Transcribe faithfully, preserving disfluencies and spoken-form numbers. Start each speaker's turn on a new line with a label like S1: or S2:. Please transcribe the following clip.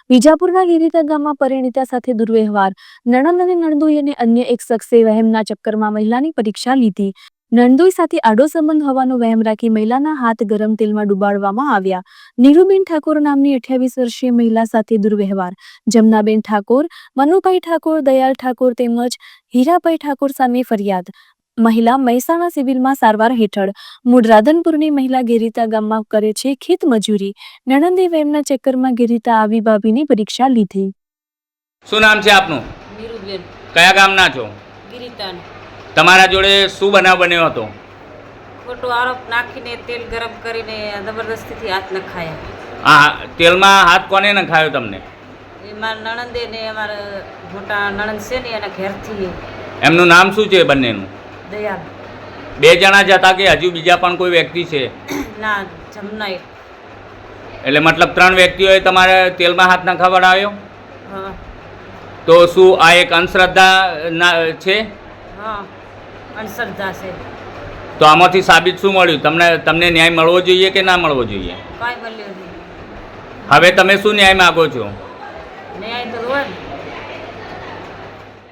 S1: વિજાપુરના ગિરિતા ગામમાં પરિણીતા સાથે દુર્વ્યવહાર. નણંદ અને નણદોઈ અને અન્ય એક શખ્સે વહેમના ચક્કરમાં મહિલાની પરીક્ષા લીધી. નણદોઈ સાથે આડો સંબંધ હોવાનો વહેમ રાખી મહિલાના હાથ ગરમ તેલમાં ડુબાડવામાં આવ્યા. નીરુબેન ઠાકોર નામની અઠ્યાવીસ વર્ષીય મહિલા સાથે દુર્વ્યવહાર. જમનાબેન ઠાકોર, મનુભાઈ ઠાકોર, દયાલ ઠાકોર તેમજ હીરાભાઈ ઠાકોર સામે ફરિયાદ. મહિલા મહેસાણા સિવિલમાં સારવાર હેઠળ. મૂળ રાધનપુરની મહિલા ગિરિતા ગામમાં કરે છે ખેત મજૂરી. નણંદે વહેમના ચક્કરમાં ગિરિતા આવી ભાભીની પરીક્ષા લીધી.
S2: શું નામ છે આપનું?
S3: નીરુબેન.
S2: કયા ગામના છો?
S3: ગિરિતાન.
S2: તમારા જોડે શું બનાવ બન્યો હતો?
S3: ખોટો આરોપ નાખીને તેલ ગરમ કરીને જબરદસ્તીથી હાથ નખાયા.
S2: હા, તેલમાં હાથ કોને નખાયો તમને?
S3: એમાં નણંદે ને અમારા મોટા નણંદ છે ને એના ઘેરથી.
S2: એમનું નામ શું છે બંનેનું?
S3: દયાલ.
S2: બે જણા જ હતા કે હજુ બીજા પણ કોઈ વ્યક્તિ છે?
S3: ના, જમનાઈ.
S2: એટલે મતલબ ત્રણ વ્યક્તિઓએ તમારે તેલમાં હાથ નખાવડાવ્યો?
S3: હા.
S2: તો શું આ એક અંધશ્રદ્ધા ના છે?
S3: હા, અંધશ્રદ્ધા છે.
S2: તો આમાંથી સાબિત શું મળ્યું? તમને તમને ન્યાય મળવો જોઈએ કે ના મળવો જોઈએ?
S3: કાંઈ મળ્યો નહીં.
S2: હવે તમે શું ન્યાય માગો છો?
S3: ન્યાય તો હોય ને.